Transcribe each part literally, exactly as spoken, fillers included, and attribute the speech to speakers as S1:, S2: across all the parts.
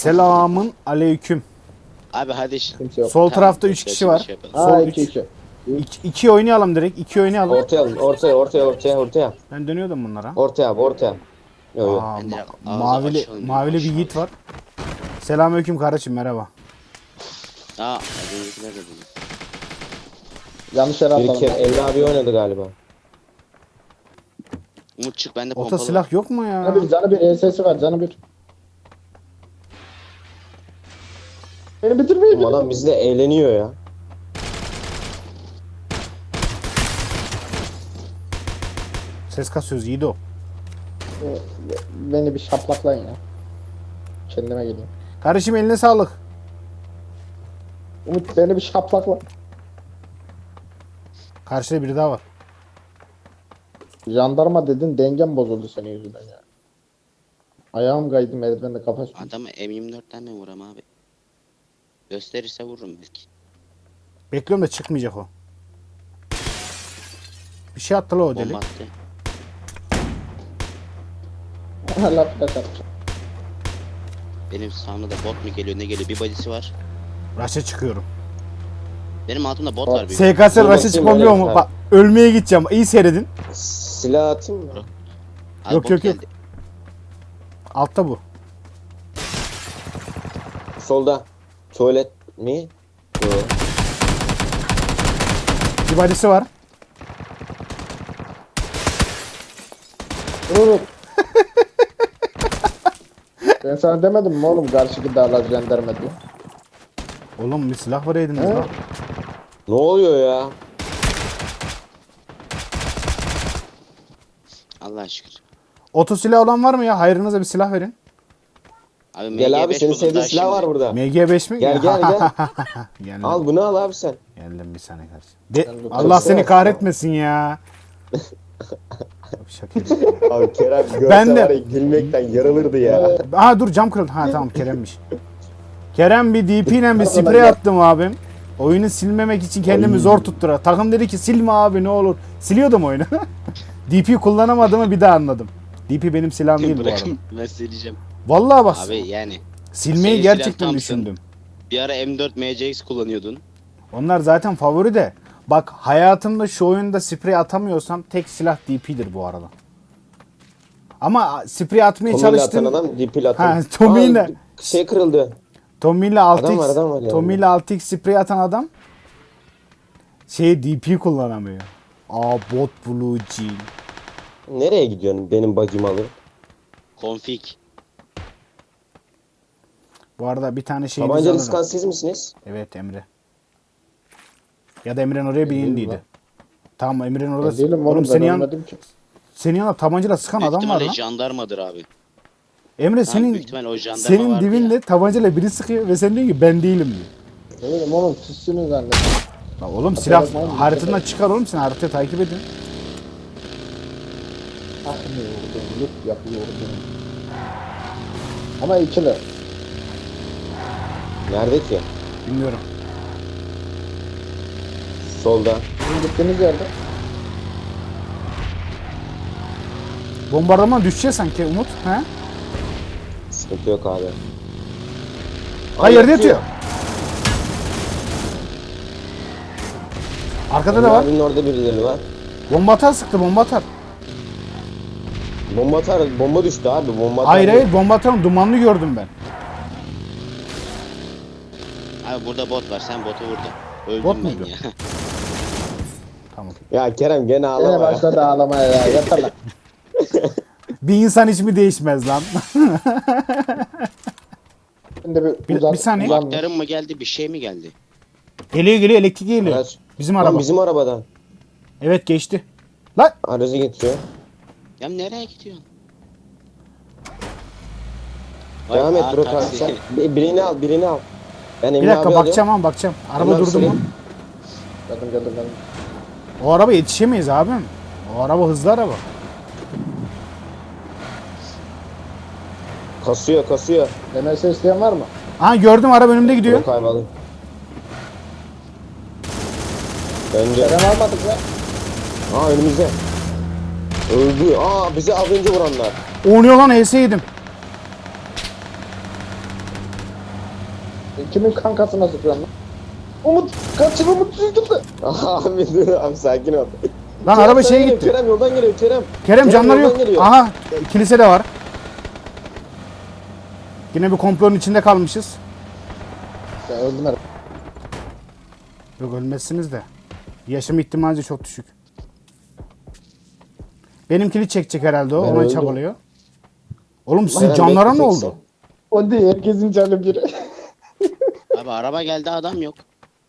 S1: Selamın aleyküm.
S2: Abi hadi ş-
S3: Kimse yok.
S1: Sol
S2: Tamam,
S1: tarafta üç
S2: şey-
S1: kişi var.
S2: şey yapalım.
S1: Sol
S3: Aa
S1: üç.
S3: iki iki.
S1: İki, iki oynayalım direkt. iki oynayalım.
S4: Ortaya alın, ortaya, ortaya, ortaya, ortaya.
S1: Ben dönüyordum bunlara.
S4: Ortaya abi, ortaya. Yok yok.
S1: Aa,
S2: Ben de
S1: ma-
S2: ağzı
S1: mavili
S2: açalım,
S1: mavili bir
S2: aşağı.
S1: yiğit var. Selamünaleyküm kardeşim, merhaba.
S2: Aa, az öncekiler de bunu.
S3: Yanlış yere
S4: Bir kere
S3: atladım.
S4: Emre abi oynadı galiba.
S2: Umut çık, bende
S1: Ota
S2: pompalı
S1: silah
S2: var.
S1: yok mu ya?
S3: Canı bir, canı bir, E S S'i var, canı bir. Beni bitirmeyin.
S4: Oğlum adam bizle eğleniyor ya.
S1: Ses kasıyoruz yiğit o.
S3: Beni bir şaplaklayın ya. Kendime geleyim.
S1: Kardeşim eline sağlık.
S3: Umut beni bir şaplakla.
S1: Karşıda biri daha var.
S3: Jandarma dedin, dengem bozuldu senin yüzünden ya. Ayağım kaydı, merdivende kafa sürdü.
S2: Adamı M yirmi dörtten mi vuram abi? Gösterirse vururum belki.
S1: Bekliyorum da çıkmayacak o. Bir şey attı la o deli.
S2: Bomba attı.
S3: Allah flash atmış.
S2: Benim sağımda da bot mu geliyor ne geliyor, bir body'si var.
S1: Raşa çıkıyorum.
S2: Benim altımda bot var. Bir.
S1: S K S
S4: Dur
S1: raşa
S4: bakayım,
S1: çıkmamıyor
S4: öyle
S1: mu?
S4: bir
S1: Bak ölmeye gideceğim. İyi seyredin.
S4: Silah atayım mı?
S2: Abi
S1: Yok,
S2: bot
S1: yok, yok.
S2: geldi.
S1: Altta bu.
S4: Solda. Tuvalet mi? Yok.
S1: Bir badisi var.
S3: Umut. Ben sana demedim mi oğlum karşıki dağlar jandarma diye.
S1: Oğlum bir silah var ediniz
S3: He?
S1: lan.
S4: Ne oluyor ya?
S2: Allah'a şükür.
S1: Oto silah olan var mı ya? Hayrınıza bir silah verin.
S2: Abi
S4: Gel
S2: M G
S4: abi,
S2: beş
S4: senin
S2: buldum
S4: sevdiğin
S2: daha
S4: silah
S2: şimdi.
S4: var burada.
S1: M G beş mi?
S4: Gel, gel, gel.
S1: Geldim.
S4: Al bunu al abi sen.
S1: Geldim bir saniye kardeşim. De-
S3: Sen bu
S1: Allah
S3: kızı-
S1: seni kahretmesin ya. Şaka yapıyorum.
S4: Abi Kerem görse
S1: Ben de-
S4: var ya, gülmekten yarılırdı ya.
S1: Aha dur cam kırıldı. Ha tamam Kerem'miş. Kerem bir D P ile bir
S3: Pardon,
S1: sprey
S3: ben-
S1: attım abim. Oyunu silmemek için kendimi
S4: Ay.
S1: zor tuttura. Takım dedi ki silme abi ne olur. Siliyordum oyunu. D P kullanamadığımı bir daha anladım. D P benim silahım değil bu arada.
S2: Bırakın ben sileceğim.
S1: Vallahi bak
S2: Abi yani.
S1: silmeyi
S2: senin
S1: gerçekten
S2: silah Thompson.
S1: düşündüm.
S2: Bir ara M dört M C X kullanıyordun.
S1: Onlar zaten favori de. Bak hayatımda şu oyunda sprey atamıyorsam tek silah D P'dir bu arada. Ama sprey atmaya
S4: Tommy'yle atan
S1: çalıştım.
S4: adam dipil atan.
S1: Ha, Tommy'yle-
S4: Aa, şey kırıldı.
S1: Tommy ile altı
S4: Adam var,
S1: x
S4: adam var yani.
S1: Tommy ile altı x sprey atan adam şey D P kullanamıyor. Aa bot blue jean.
S4: Nereye gidiyorsun benim bacımı alıp?
S2: Config.
S1: Bu arada bir tane şey
S4: Tabancalı sıkan siz misiniz?
S1: Evet Emre. Ya da Emre'nin oraya bir
S3: değilim
S1: indiydi.
S3: lan.
S1: Tamam Emre'nin orada.
S3: Ben değilim
S1: Oğlum
S3: oğlum,
S1: senin
S3: ben
S1: yan,
S3: ölmedim ki.
S1: senin yanında tabancayla sıkan
S2: Büyük
S1: adam var
S2: ihtimalle
S1: lan.
S2: jandarmadır abi.
S1: Emre
S2: Tamam,
S1: senin
S2: büyük ihtimalle o jandarma
S1: senin
S2: vardı
S1: dibinde
S2: ya.
S1: tabancayla biri sıkıyor ve sen diyorsun ki ben değilim diyor.
S3: Ne bileyim oğlum sizsiniz zannettim.
S1: Lan oğlum silah
S3: bakma oğlum,
S1: haritandan
S3: dikkat
S1: çıkar oğlum sen haritayı takip edin.
S3: Ah ne vurdum, yut yapıyordum. Ama ikili.
S4: Nerede ki?
S1: Bilmiyorum.
S4: Solda.
S3: Sizin gittiğiniz yerde.
S1: Bombardıman düşecek sanki Umut. He?
S4: Sıkıntı yok abi.
S1: Ha yerde yatıyor. Arkada da var.
S4: Abinin orada birileri var.
S1: Bomba atar sıktı bomba atar.
S4: Bomba atar, bomba düştü abi. Bomba atar.
S1: Hayır hayır bomba atarım dumanlı gördüm ben.
S2: Abi burada bot var, sen botu vurdun. Öldüm
S1: Bot
S2: ben
S1: muydu?
S2: ya.
S1: Tamam.
S4: Ya Kerem gene
S3: Yine
S4: ağlama ya.
S3: başladı ağlamaya ya. Yeter lan.
S1: Bir insan hiç mi değişmez lan?
S3: Şimdi bir,
S1: Bir-
S3: uzan,
S1: bir saniye.
S3: uzan-
S2: Maktarın mı geldi, bir şey mi geldi?
S1: Geliyor geliyor elektrik geliyor.
S4: Araç.
S1: Bizim
S4: Lan
S1: araba.
S4: bizim arabadan.
S1: Evet geçti. Lan
S4: Aracı getiriyor.
S2: Ya nereye gidiyorsun?
S4: Devam et
S2: aa,
S4: bro
S2: taksi.
S4: kanka. Bir- Birini al, birini al. Ben
S1: bir
S4: Emre
S1: dakika
S4: abi
S1: bakacağım ama bakacağım. Araba
S4: Emre abi
S1: durdu mu?
S4: senin-
S3: Geldim geldim geldim.
S1: O araba yetişemeyiz abim. O araba hızlı araba.
S4: Kasıyor, kasıyor.
S3: M S isteyen var mı?
S1: Aha gördüm araba önümde gidiyor.
S4: Bro kayboldu. Bence.
S3: Kerem almadık ya.
S4: Aa önümüzde. Öldü. Aa bizi az önce vuranlar.
S1: Oynuyor lan H S yedim.
S3: Kimin kankasına sıkıyorsun lan? Umut kaçın Umut sürdü.
S4: Abi dur abi sakin ol.
S1: Lan
S4: Kerem
S1: araba
S4: sana
S1: şeye
S4: geliyor,
S1: gitti.
S4: Kerem yoldan geliyor Kerem.
S1: Kerem canları
S4: yoldan
S1: yok.
S4: geliyor.
S1: Aha kilise de var. Yine bir komplonun içinde kalmışız.
S3: Ya öldüm herhalde.
S1: Yok ölmezsiniz de. Yaşam ihtimali çok düşük. Benimkini çekecek herhalde o.
S4: Ben
S1: Ona
S4: öldüm.
S1: çabalıyor. Oğlum sizin
S4: Kerem
S1: canlara ne
S4: bekleyeceksin.
S1: oldu?
S3: O değil herkesin canı biri.
S2: Abi araba geldi adam yok.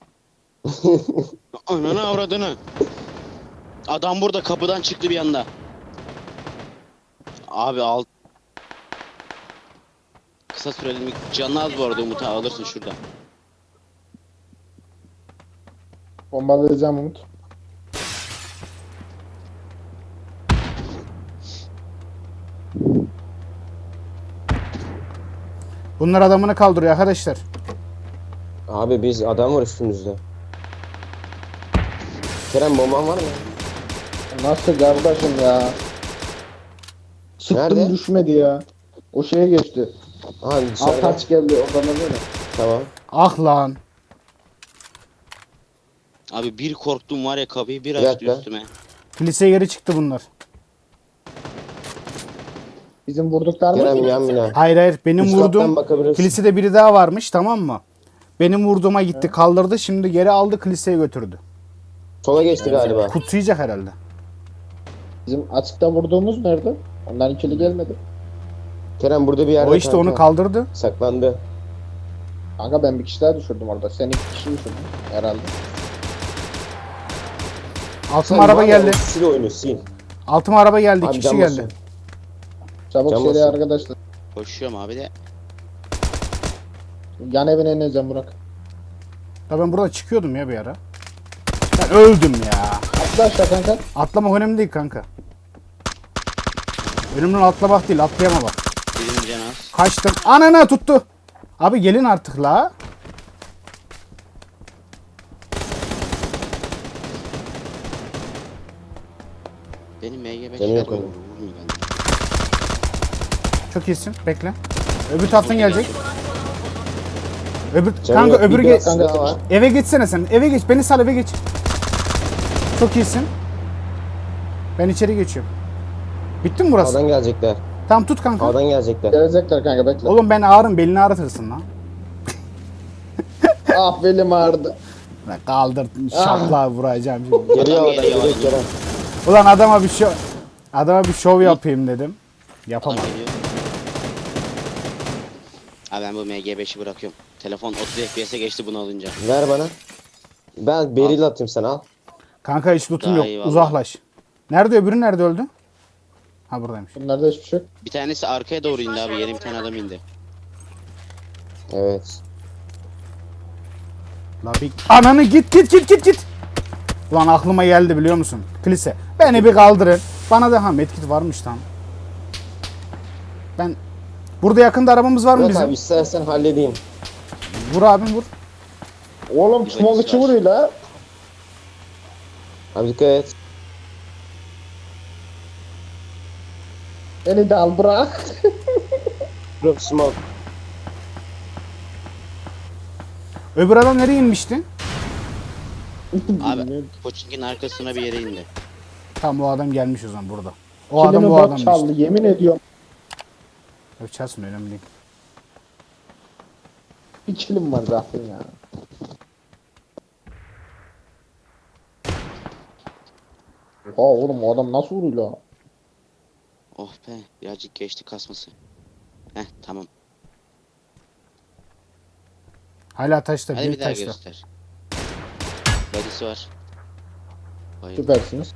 S2: Ananı avradını. Adam burada kapıdan çıktı bir anda. Abi alt. Kısa süreli mi? Canı az bu arada Umut abi, alırsın şurada.
S3: Bombalayacağım Umut.
S1: Bunlar adamını kaldırıyor arkadaşlar.
S4: Abi biz adam var üstümüzde. Kerem bomban var mı?
S3: Nasıl kardeşim ya? Sıktım
S4: Nerede?
S3: düşmedi ya. O şeye geçti.
S4: Aha
S3: Alt
S4: dışarıda.
S3: taç geldi oradan öyle.
S4: Tamam.
S1: Ah lan.
S2: Abi bir korktum var ya, kapıyı bir
S4: Bir
S2: açtı
S4: dakika.
S2: üstüme.
S1: Kiliseye geri çıktı bunlar.
S3: Bizim vurduklar mı?
S4: Kerem yan bina.
S1: Hayır hayır benim
S4: Üst kattan
S1: vurduğum
S4: bakabilirsin.
S1: kilisede biri daha varmış, tamam mı? Benim vurduğuma gitti kaldırdı, şimdi geri aldı kiliseye götürdü.
S4: Sola geçti galiba.
S1: Kutsayacak herhalde.
S3: Bizim açıkta vurduğumuz nerede? Ondan ikili gelmedi.
S4: Kerem burada bir yerde
S1: O işte
S4: kanka.
S1: onu kaldırdı.
S4: Saklandı.
S3: Kanka ben bir kişi daha düşürdüm orada. Sen iki kişi düşürdün herhalde.
S1: Altıma araba geldi.
S4: Sil oyunu sil.
S1: Altıma araba geldi.
S4: Abi
S1: İki kişi
S4: can
S1: geldi.
S4: basıyor.
S3: Çabuk
S4: Can
S3: seri
S4: basın.
S3: arkadaşlar.
S2: Koşuyorum abi de.
S3: Yan evine ineceğim Burak.
S1: Ya ben burada çıkıyordum ya bir ara. Ben öldüm ya.
S3: Atla aşağı kanka.
S1: Atlamak önemli değil kanka. Önümden atlamak değil, atlayama bak.
S2: Birim can az.
S1: Kaçtım. Anana tuttu. Abi gelin artık la.
S2: Benim M G beş
S4: Canı yok
S2: vurmuyor
S4: onun.
S2: bende.
S1: Çok iyisin. Bekle. Öbür taraftan gelecek. Öbür
S4: Canı
S1: kanka
S4: yok,
S1: öbürü
S4: bir
S1: geç.
S4: tane daha var.
S1: Eve geçsene sen. Eve geç. Beni sal, eve geç. Çok iyisin. Ben içeri geçiyorum. Bitti mi burası?
S4: Sağdan gelecekler.
S1: Tamam tut kanka.
S4: Sağdan gelecekler.
S3: Gelecekler kanka bekle.
S1: Oğlum ben ağrım, belini ağrıtırsın lan.
S3: Ah belim ağrıdı.
S1: Lan kaldır şapla vuracağım şimdi.
S4: Geliyor
S2: Adam
S4: oradan
S2: geliyor,
S4: geliyor
S2: adam
S4: Kerem.
S1: Ulan adama bir şov adama bir şov yapayım dedim. Yapamam.
S2: Adam geliyor. Abi ben bu M G beşi bırakıyorum. Telefon otuz F P S'e geçti bunu alınca.
S4: Ver bana. Ben beril atayım sana al.
S1: Kanka hiç lootum
S2: Daha
S1: yok.
S2: iyi vallahi.
S1: Uzaklaş. Nerede öbürü, nerede öldü? Ha buradaymış.
S3: Bunlarda hiçbir şey yok.
S2: Bir tanesi arkaya doğru indi abi. Yeni bir tane adam indi.
S4: Evet.
S1: La bir ananı git git git git git. Ulan aklıma geldi biliyor musun? Kilise. Beni bir kaldırın. Bana da ha medkit varmış lan. Ben burada yakında arabamız var mı
S4: Murat
S1: bizim?
S4: abi istersen halledeyim.
S1: Vur abim vur.
S3: Oğlum
S2: Bir
S3: small
S2: dakika
S3: içi
S2: var.
S3: vuruyor la.
S4: Abi dikkat et.
S3: Beni de al bırak.
S4: Drop smoke.
S1: Öbür adam nereye inmişti?
S2: Abi Koçink'in arkasına bir yere indi.
S1: Tam o adam gelmiş o zaman burada. O adam
S3: Kilimi
S1: o
S3: bot
S1: adam
S3: çaldı
S1: işte.
S3: yemin ediyorum.
S1: Yok çalsın, önemli değil.
S3: Bir kilim var zaten ya. Aa oğlum o adam nasıl vuruyor la?
S2: Oh be, birazcık geçti kasması. Heh tamam.
S1: Hala taşta,
S2: Hadi bir
S1: bir
S2: daha
S1: taşta.
S2: göster. Body'si var. Bayıldım.
S3: Süpersiniz.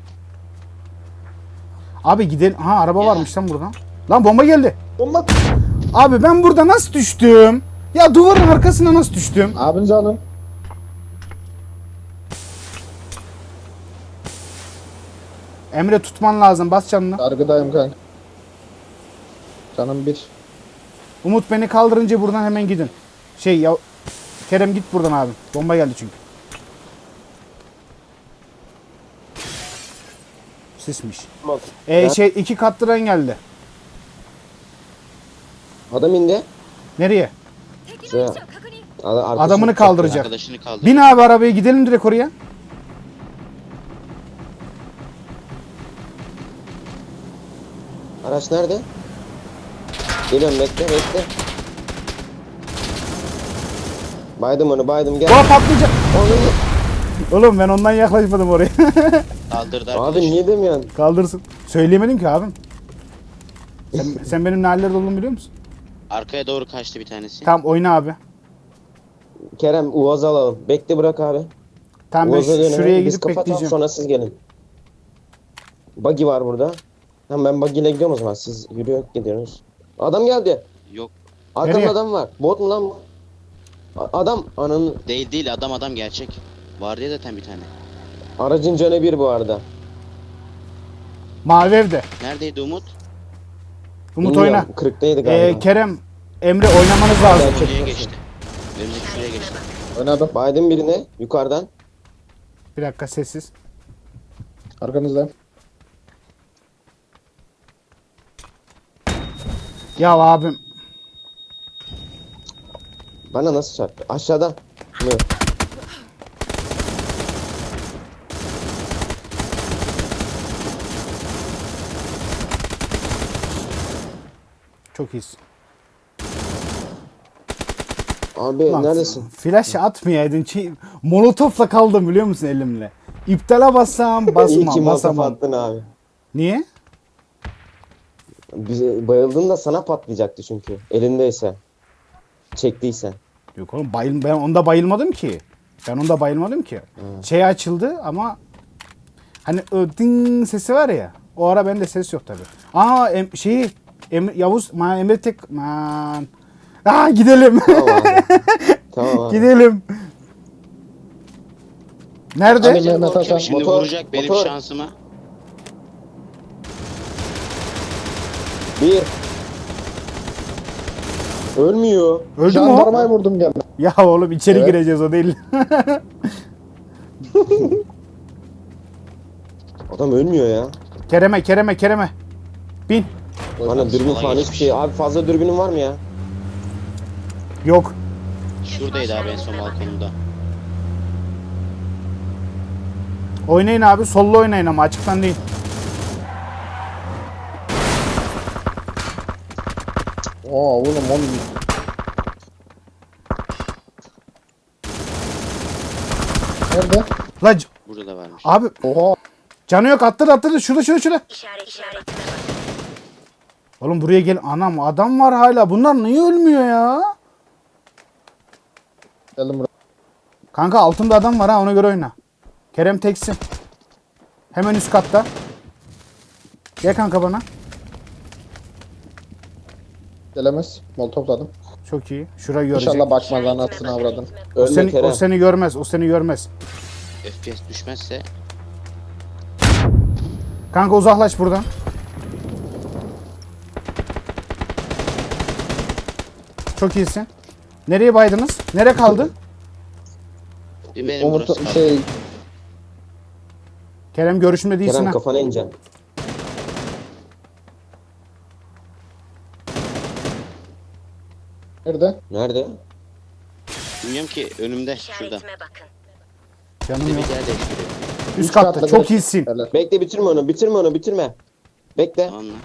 S1: Abi gidelim. Ha araba
S2: Ya.
S1: varmış lan buradan. Lan bomba geldi.
S3: Bomba.
S1: Abi ben burada nasıl düştüm? Ya duvarın arkasına nasıl düştüm?
S3: Abinizi alın.
S1: Emre tutman lazım. Bas canını.
S3: Sargıdayım kanka. Canım bir.
S1: Umut beni kaldırınca buradan hemen gidin. Şey ya Kerem git buradan abi. Bomba geldi çünkü. Sismiş.
S4: Smoke.
S1: E
S4: Ya.
S1: şey iki katlıdan geldi.
S4: Adam indi.
S1: Nereye?
S4: Şuraya. Ada- arkasını
S1: Adamını
S4: tutuyor.
S1: kaldıracak.
S2: Arkadaşını kaldır.
S1: Bin abi arabaya gidelim direkt oraya.
S4: Araç nerede? Geliyorum bekle bekle. Baydım onu baydım gel.
S1: Doğa patlayacak.
S4: Onu-
S1: Oğlum ben ondan yaklaşmadım oraya.
S2: Kaldırdı
S4: Abi
S2: arkadaşı.
S4: niye demiyorsun?
S1: Kaldırsın. Söyleyemedim ki abim. Sen, sen benim ne hallerde olduğumu biliyor musun?
S2: Arkaya doğru kaçtı bir tanesi.
S1: Tamam oyna abi.
S4: Kerem Uaz'ı alalım. Bekle bırak abi.
S1: Tamam ben
S4: Uaz'a
S1: şu-
S4: dönelim.
S1: şuraya
S4: Biz
S1: gidip
S4: kapatalım,
S1: bekleyeceğim.
S4: sonra siz gelin. Buggy var burada. Tamam ben buggy ile gidiyorum o zaman. Siz yürüyor gidiyorsunuz. Adam geldi.
S2: Yok.
S4: Arkamda
S1: Nereye?
S4: adam var. Bot mu lan bu? A- Adam ananın
S2: Değil değil adam adam gerçek. Vardı ya zaten bir tane.
S4: aracın canı bir bu arada.
S1: Mavi evde.
S2: Neredeydi Umut?
S1: Umut
S4: Bilmiyorum,
S1: oyna.
S4: kırktaydı
S1: Ee,
S4: galiba.
S1: Kerem, Emre oynamanız lazım.
S4: Ben-
S2: Şuraya geçti. Önümüzdeki şuraya geçti.
S3: Oynadım.
S4: Baydım birine yukarıdan.
S1: Bir dakika sessiz.
S3: Arkanızdayım.
S1: Ya abim.
S4: Bana nasıl çarptı? Aşağıda. Mı?
S1: Çok iyisin.
S4: Abi
S1: Lan,
S4: neredesin?
S1: Flash atmayaydın. Şey, molotofla kaldım biliyor musun elimle. İptala bassam
S4: İyi ki
S1: basmam
S4: molotof
S1: basamam.
S4: attın abi.
S1: Niye?
S4: Bize bayıldın da sana patlayacaktı çünkü. Elindeyse. Çektiyse.
S1: Yok oğlum bayıl, ben onda bayılmadım ki. Ben onda bayılmadım ki. Şey açıldı ama hani o ding sesi var ya. O ara bende ses yok tabi. Aa em, şeyi em, Yavuz ma, Emre tek man. Aa gidelim.
S4: Tamam abi. Tamam abi.
S1: Gidelim. Nerede?
S3: Hadi Mehmet Hasan.
S2: Şimdi
S4: Motor,
S2: vuracak benim
S4: motor.
S2: şansıma.
S4: Bir. Ölmüyor.
S1: Öldü mü
S3: Jandarmayı
S1: o?
S3: vurdum gene.
S1: Ya oğlum içeri
S3: Evet.
S1: gireceğiz o değil.
S4: Adam ölmüyor ya.
S1: Kereme Kereme Kereme. Bin.
S4: Bana dürbün
S2: Sola
S4: falan hiçbir
S2: geçmiş.
S4: şey. Abi fazla dürbünün var mı ya?
S1: Yok.
S2: Şuradaydı abi en son balkonunda.
S1: Oynayın abi. Sollu oynayın ama açıktan değil.
S3: Oo oğlum oğlum. Nerede?
S1: La c-
S2: Burada da varmış.
S1: abi
S3: Oha.
S1: canı yok attırdı attırdı. Şurada şurada şurada.
S5: İşaret işaret.
S1: Oğlum buraya gel. Anam adam var hala. Bunlar niye ölmüyor ya?
S3: Geldim buraya.
S1: Kanka altında adam var ha ona göre oyna. Kerem teksin. Hemen üst katta. Gel kanka bana.
S3: Gelemez. Mol topladım.
S1: Çok iyi. Şurayı görecek.
S3: İnşallah bakmaz anasını avradın.
S1: O
S4: Ölme
S1: seni,
S4: Kerem.
S1: o seni görmez. O seni görmez.
S2: F P S düşmezse
S1: Kanka uzaklaş buradan. Çok iyisin. Nereye baydınız? Nere kaldı?
S2: bir benim
S3: Umut
S2: burası kaldı.
S3: şey
S1: Kerem görüşümde değilsin
S4: Kerem
S1: ha.
S4: kafana ineceksin.
S3: nerede?
S4: Nerede?
S2: Bilmiyorum ki önümde şurada.
S5: İşaretime bakın.
S1: Canım
S2: Bir
S1: yok.
S2: yer değiştiriyor.
S1: Üst katta. Çok iyisin.
S3: Helal.
S4: Bekle bitirme onu. Bitirme onu. Bitirme. Bekle.
S2: Tamam mı?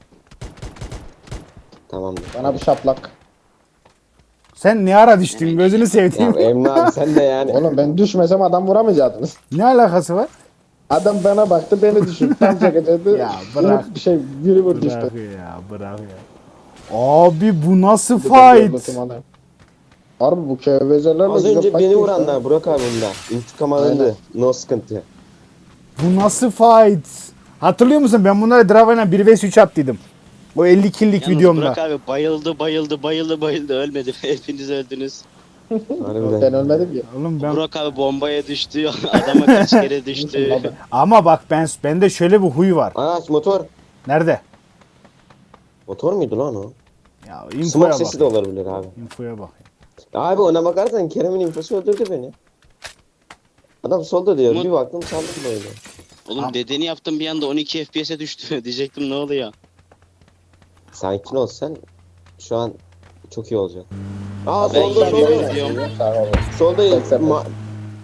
S4: Tamamdır.
S3: Bana bir şaplak.
S1: Sen ne ara düştün? Gözünü
S4: Ya
S1: sevdiğim.
S4: Emre abi sen de yani.
S3: Oğlum ben düşmesem adam vuramayacaktınız.
S1: Ne alakası var?
S3: Adam bana baktı beni düşürdü. Tam çekecekti.
S1: Ya bırak.
S3: Umut bir şey biri vurdu işte.
S1: Bırak ya bırak ya. Abi bu nasıl
S3: Gördüm
S1: fight?
S3: adam. Harbi bu kevezelerle
S4: Az
S3: güzel
S4: önce
S3: fight
S4: beni
S3: geçti.
S4: vuranlar Burak abi bunda. İntikam alındı. No sıkıntı.
S1: Bu nasıl fight? Hatırlıyor musun? Ben bunlara Drava'yla bir vs üç attıydım. O elli kill'lik
S2: Yalnız
S1: videomda.
S2: Burak abi bayıldı bayıldı bayıldı bayıldı ölmedi. Hepiniz öldünüz.
S4: Harbiden.
S3: Ben ölmedim ki.
S1: Oğlum ben
S2: Burak abi bombaya düştü. Adama kaç kere düştü.
S3: Abi.
S1: ama bak ben bende şöyle bir huy var.
S4: Araç motor.
S1: Nerede?
S4: Motor muydu lan o?
S1: Ya
S4: Smoke
S1: infoya bak.
S4: sesi de olabilir abi.
S1: Infoya bak.
S4: Abi ona bakarsan Kerem'in infosu öldürdü beni. Adam solda diyor.
S2: Umut-
S4: Bir baktım saldım böyle.
S2: Oğlum
S1: Tamam.
S2: dedeni yaptım bir anda on iki F P S'e düştü. Diyecektim ne oluyor?
S4: Sakin ol sen. Şu an çok iyi olacak. Aa
S2: Ben
S4: solda
S2: yürüyorum,
S4: solda.
S2: gidiyorum.
S3: Sağ ol.
S4: Solda
S3: Seksen.
S4: ma- Aa, bak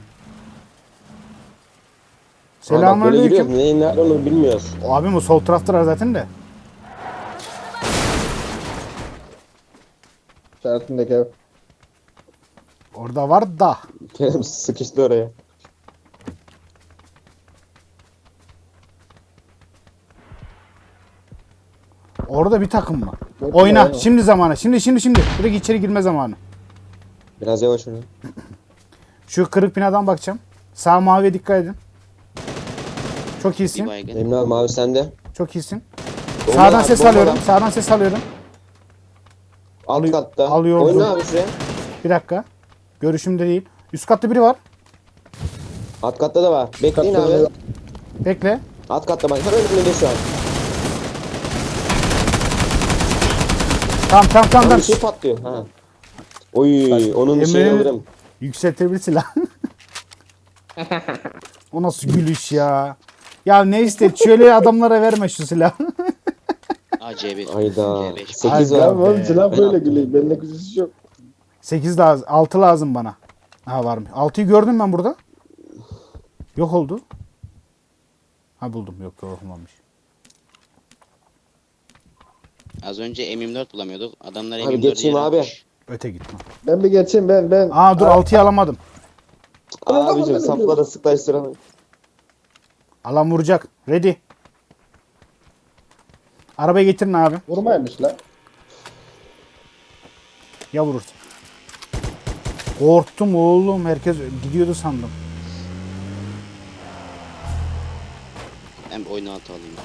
S4: böyle
S1: Selamünaleyküm.
S4: yürüyoruz. Neyin nerede onu bilmiyoruz.
S1: O abim o sol taraftalar zaten de.
S3: İşaretindeki ev.
S1: Orada var da.
S4: Kerem sıkıştı oraya.
S1: Orada bir takım mı?
S3: Yok,
S1: Oyna.
S3: yok.
S1: Şimdi zamanı. Şimdi şimdi şimdi. Direkt içeri girme zamanı.
S4: Biraz yavaş oyna.
S1: Şu kırık binadan bakacağım. Sağ maviye dikkat edin. Çok
S2: Bir
S1: iyisin.
S2: baygın.
S4: Emre abi mavi sende.
S1: Çok iyisin.
S4: Bomba
S1: Sağdan
S4: var,
S1: ses
S4: bomba
S1: alıyorum.
S4: var.
S1: Sağdan ses alıyorum.
S4: Alt katta.
S1: alıyorum.
S4: Oyna abi şuraya.
S1: Bir dakika. Görüşümde değil. Üst katta biri var.
S4: Alt katta da var. Bekleyin
S3: Katta
S4: abi.
S3: da-
S1: Bekle.
S4: Alt katta bak. Hemen önünde şu an.
S1: Tamam tamam tamam.
S4: Tam
S1: tamam.
S4: bir şey patlıyor. Ha. Oy, onun şeyini
S1: Emre'nin
S4: alırım.
S1: yükseltebilir silah. O nasıl gülüş ya. Ya ne iste şöyle adamlara verme şu silahı.
S2: Aa C bir.
S4: Ayda.
S2: C beş.
S4: sekiz
S1: Ay,
S4: var.
S3: Ya oğlum
S1: be.
S3: silah
S4: Ben
S3: böyle
S4: attım.
S3: gülüyor. Bende kuzisi yok.
S1: sekiz lazım. altı lazım bana. Ha var mı? altıyı gördüm ben burada. Yok oldu. Ha buldum. Yok olmamış.
S2: Az önce M yirmi dört bulamıyorduk. Adamlar
S4: Abi
S2: M yirmi dördü
S4: geçeyim
S2: yere
S4: abi.
S2: atmış.
S1: Öte gitme.
S3: Ben bir geçeyim ben ben.
S1: Aa dur altıyı alamadım.
S4: Abicim saplara sıklaştıramayın.
S1: Alan vuracak. Ready. Arabayı getirin abi.
S3: Vurmaymış lan.
S1: Ya vurursun. Korktum oğlum. Herkes gidiyordu sandım.
S2: Ben bir oyunu altı alayım.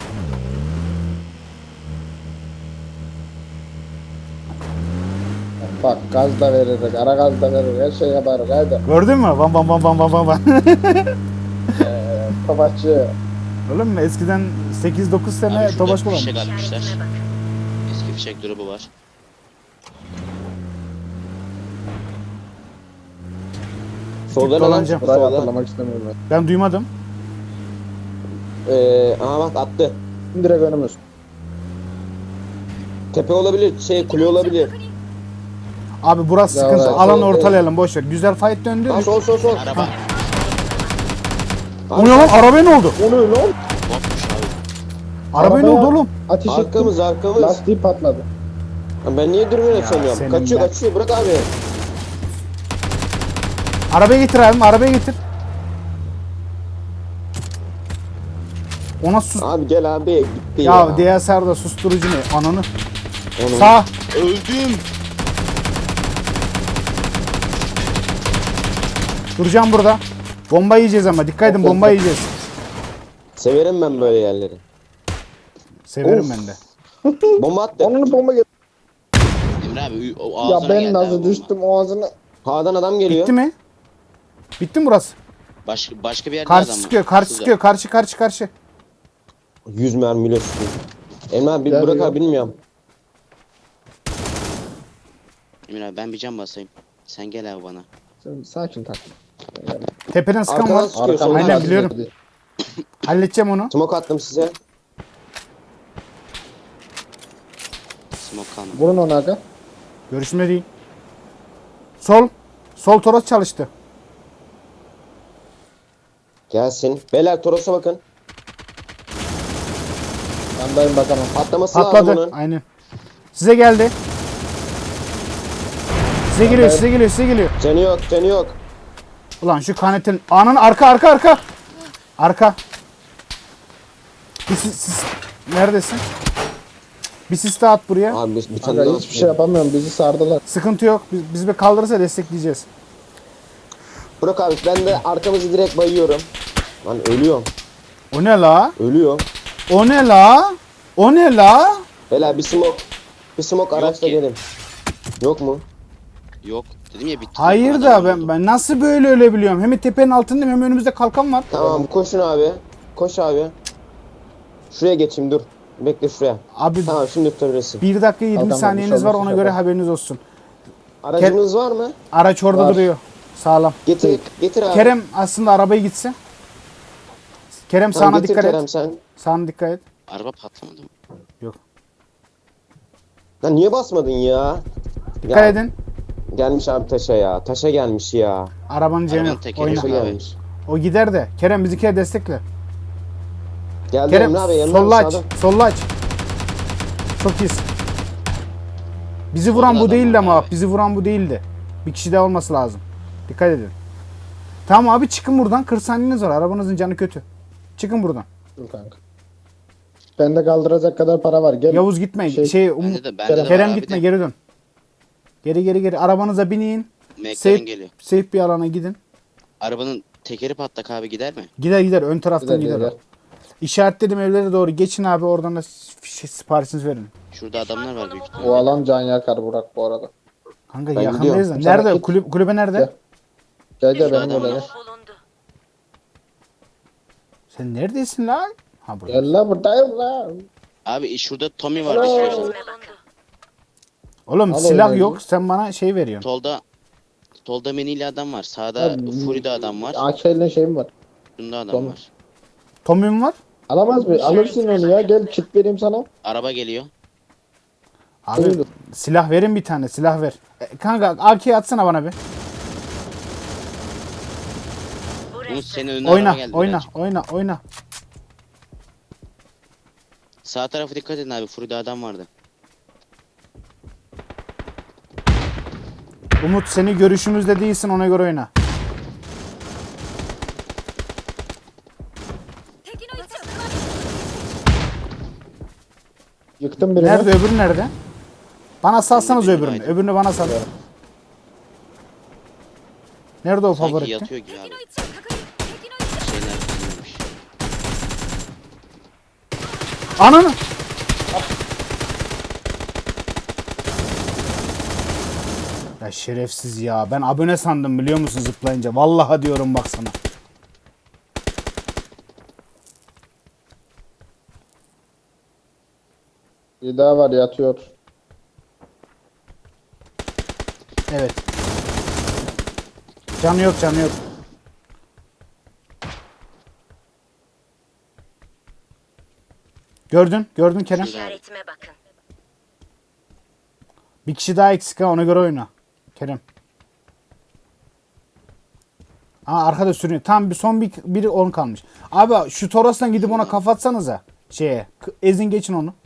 S3: Bak gaz da verir, ara gaz da verir, her şey yapar. Haydi.
S1: Gördün mü? Van van van van van van van.
S3: Savaşçı.
S1: Oğlum eskiden sekiz dokuz sene
S2: Abi
S1: tobaş
S2: şurada fişek
S1: kullanmış.
S2: atmışlar. Eski fişek grubu var.
S4: Solda ne lan?
S1: Dolanacağım.
S3: Burayı
S4: Solda.
S3: hatırlamak istemiyorum ben.
S1: Ben duymadım.
S4: Ee, aha bak attı.
S3: Direkt önümüz.
S4: Tepe olabilir, şey kule olabilir.
S1: Abi burası
S3: Ya
S1: sıkıntı.
S3: evet,
S1: Alanı
S4: evet,
S1: ortalayalım boş ver. Güzel fight döndü.
S4: Ha sol sol sol.
S2: Araba.
S1: O ne lan? Arabaya ne oldu?
S3: O ne lan?
S2: Botmuş abi.
S1: Arabaya ne
S3: Arabaya
S1: oldu oğlum?
S3: Ateş ettim.
S4: Arkamız arkamız.
S3: Lastiği patladı.
S4: Ha, Ben niye dürbün açamıyorum?
S1: senin
S4: Kaçıyor
S1: ben.
S4: kaçıyor bırak abi.
S1: Arabaya getir abim. Arabaya getir. Ona sus.
S4: Abi gel abi gitti
S1: Ya,
S4: ya.
S1: D S R'da susturucu ne? Ananı.
S4: Onun-
S1: Sağ.
S2: Öldüm.
S1: Duracağım burada. Bomba yiyeceğiz ama. Dikkat edin bomba yiyeceğiz.
S4: Severim ben böyle yerleri.
S1: Severim
S4: Of.
S1: ben de.
S4: Bomba attı.
S3: Onun bomba geldi.
S2: Emre abi o
S3: Ya
S2: ağzına
S3: ben
S2: geldi
S3: nasıl
S2: abi bomba.
S3: düştüm o ağzına.
S4: Ha'dan adam geliyor.
S1: Bitti mi? Bitti mi burası?
S2: Başka, başka bir yerde
S1: Karşı
S2: adam var.
S1: sıkıyor. Karşı
S2: Şurada.
S1: sıkıyor. Karşı karşı karşı.
S4: yüz mermiyle sıkıyor. Emre abi bir
S3: Gel
S4: bırak
S3: ya.
S4: abi bilmiyorum.
S2: Emre abi ben bir cam basayım. Sen gel abi bana.
S3: Sen sakin tak.
S1: Tepeden sıkan
S4: Arkadan
S1: var.
S4: sıkıyor,
S3: Arkamdan
S4: soldan
S1: Aynen,
S3: ateş
S1: biliyorum.
S3: ediyor.
S1: Halledeceğim onu.
S4: Smoke attım size.
S2: Smoke kalmadı.
S3: Vurun onu aga.
S1: Görüşme değil. Sol. Sol toros çalıştı.
S4: Gelsin. Beyler Toros'a bakın.
S3: Yandayım bakamam.
S4: Patlaması lazım
S1: Patladı.
S4: onun.
S1: Aynen. Size geldi. Size geliyor, size geliyor, size geliyor.
S4: Canı yok canı yok.
S1: Ulan şu kanetin anın arka arka arka. Arka. Bir sis, sis- neredesin? Bir sis daha at buraya.
S4: Abi bir, bir tane
S3: Aga
S4: daha
S3: hiçbir şey yapamıyorum. Bizi sardılar.
S1: Sıkıntı yok. Biz, biz bir kaldırırsa destekleyeceğiz.
S4: Bırak abi ben de arkamızı direkt bayıyorum. Lan ölüyorum.
S1: O ne la?
S4: Ölüyor.
S1: O ne la? O ne la?
S4: Beyler bir smoke. Bir smoke araçla
S2: ki.
S4: gelin. Yok mu?
S2: Yok. Dedim ya bitti.
S1: Hayır
S2: Adam
S1: da ben
S2: oldu.
S1: ben nasıl böyle ölebiliyorum? Hem tepenin altındayım hem önümüzde kalkan var.
S4: Tamam koşun abi. Koş abi. Şuraya geçeyim dur. Bekle şuraya.
S1: Abi
S4: Tamam şimdi tutabilirsin.
S1: bir dakika yirmi
S3: Kalkan var,
S1: saniyeniz
S3: bir
S1: var
S3: şey
S1: ona
S3: olursa
S1: göre
S3: yapalım.
S1: haberiniz olsun.
S4: Aracımız var mı?
S1: Araç orada
S3: Var.
S1: duruyor. Sağlam.
S4: Getir getir abi.
S1: Kerem aslında arabayı gitse. Kerem
S4: Tamam,
S1: sağına
S4: getir
S1: dikkat
S4: Kerem
S1: et.
S4: sen.
S1: Sağına dikkat et.
S2: Araba patlamadı mı?
S1: Yok.
S4: Lan niye basmadın ya?
S1: Dikkat
S4: Ya,
S1: edin.
S4: Gelmiş abi taşa ya. Taşa gelmiş ya.
S1: Arabanın canı
S2: Arabanın
S1: yok.
S2: tekeri
S1: Oyna.
S4: Taşa
S2: yok. abi.
S4: gelmiş.
S1: O gider de. Kerem bizimkileri destekle.
S4: Geldi
S1: Kerem
S4: Emre abi. Emre abi
S1: solla aç.
S4: sağda.
S1: Solla aç. Çok iyisin. Bizi vuran
S2: Solda
S1: bu
S2: adam
S1: değildi
S2: var
S1: ama
S2: abi.
S1: bizi vuran bu değildi. Bir kişi daha olması lazım. Dikkat edin. Tamam abi çıkın buradan. kırk saniyeniz var. Arabanızın canı kötü. Çıkın buradan.
S3: Dur kanka. Bende kaldıracak kadar para var. Gel.
S1: Yavuz gitme. Şey,
S3: Şey-
S1: Umut.
S2: Bende de, bende de var
S1: Kerem
S2: abi
S1: gitme
S2: de.
S1: geri dön. Geri geri geri. Arabanıza binin.
S2: McLaren
S1: Safe,
S2: geliyor.
S1: safe bir alana gidin.
S2: Arabanın tekeri patlak abi gider mi?
S1: Gider gider. Ön taraftan
S3: Gider,
S1: gider.
S3: gider.
S1: o. İşaretledim evlere doğru. Geçin abi oradan da şey, siparişinizi verin.
S2: Şurada adamlar var büyük ihtimalle.
S3: O alan can yakar Burak bu arada.
S1: Kanka
S4: Ben
S1: yakındayız da.
S3: gidiyorum.
S1: Nerede?
S3: Sana git.
S1: Kulüp, kulübe nerede?
S3: Gel. Gel gel
S2: Şurada
S3: benim
S2: adam
S3: oraya.
S2: var.
S3: gel.
S1: Sen neredesin lan? Ha burada.
S3: Gel la buradayım la.
S2: Abi şurada Tommy var
S3: Alo.
S2: istiyorsan.
S1: Oğlum
S3: Al
S1: silah
S3: oyunu.
S1: yok. Sen bana şey veriyorsun.
S2: Solda Solda menili adam var. Sağda
S3: Abi,
S2: Fury'de adam var.
S3: A K ile şeyim var.
S2: Şunda adam
S3: Tommy.
S2: var.
S1: Tommy'm var.
S3: Alamaz mı? Alırsın onu ya. Gel kit vereyim sana.
S2: Araba geliyor.
S1: Abi
S3: Buyurun.
S1: silah verin bir tane. Silah ver. E, kanka A K atsana bana bir.
S2: Umut senin önüne araba
S1: Oyna,
S2: geldi.
S1: oyna,
S2: birazcık.
S1: oyna, oyna.
S2: Sağ tarafa dikkat edin abi. Fury'de adam vardı.
S1: Umut seni görüşümüzde değilsin ona göre oyna.
S3: Yıktım birini.
S1: Nerede öbürü nerede? Bana salsanız
S2: benim
S1: öbürünü.
S2: aydın.
S1: Öbürünü bana sal. Nerede o
S2: Sanki
S1: favori?
S2: yatıyor gibi abi. Şeyler bilmiyormuş.
S1: Ananı! Ya şerefsiz ya. Ben abone sandım biliyor musun zıplayınca. Vallahi diyorum bak sana.
S3: Bir daha var yatıyor.
S1: Evet. Canı yok canı yok. Gördün, gördün Kerem.
S5: İşaretime bakın.
S1: Bir kişi daha eksik ha ona göre oyna. Kerem. Aa arkada sürünüyor. Tam bir son bir biri on kalmış. Abi şu Toros'tan gidip ona kafatsanıza. Şeye. k- Ezin geçin onu.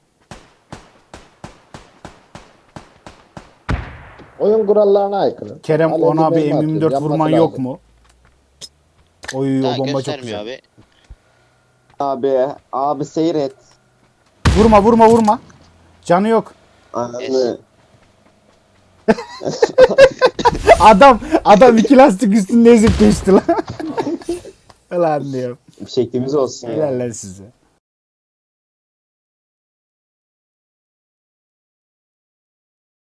S3: Oyun kurallarına aykırı.
S1: Kerem
S3: Alev
S1: ona bir
S3: mermi
S1: M
S3: atıyor,
S1: yirmi dört
S3: yanması
S1: vurman yok
S3: lazım.
S1: mu? Oy
S2: Daha
S1: o bomba çok
S2: göstermiyor
S1: güzel.
S2: abi.
S4: Abi. Abi seyret.
S1: Vurma vurma vurma. Canı yok.
S4: Ananı.
S1: Adam adam iki lastik üstünde ezip geçti lan. Lan diyorum.
S4: Bir şeklimiz olsun ya.
S1: Helal lan size.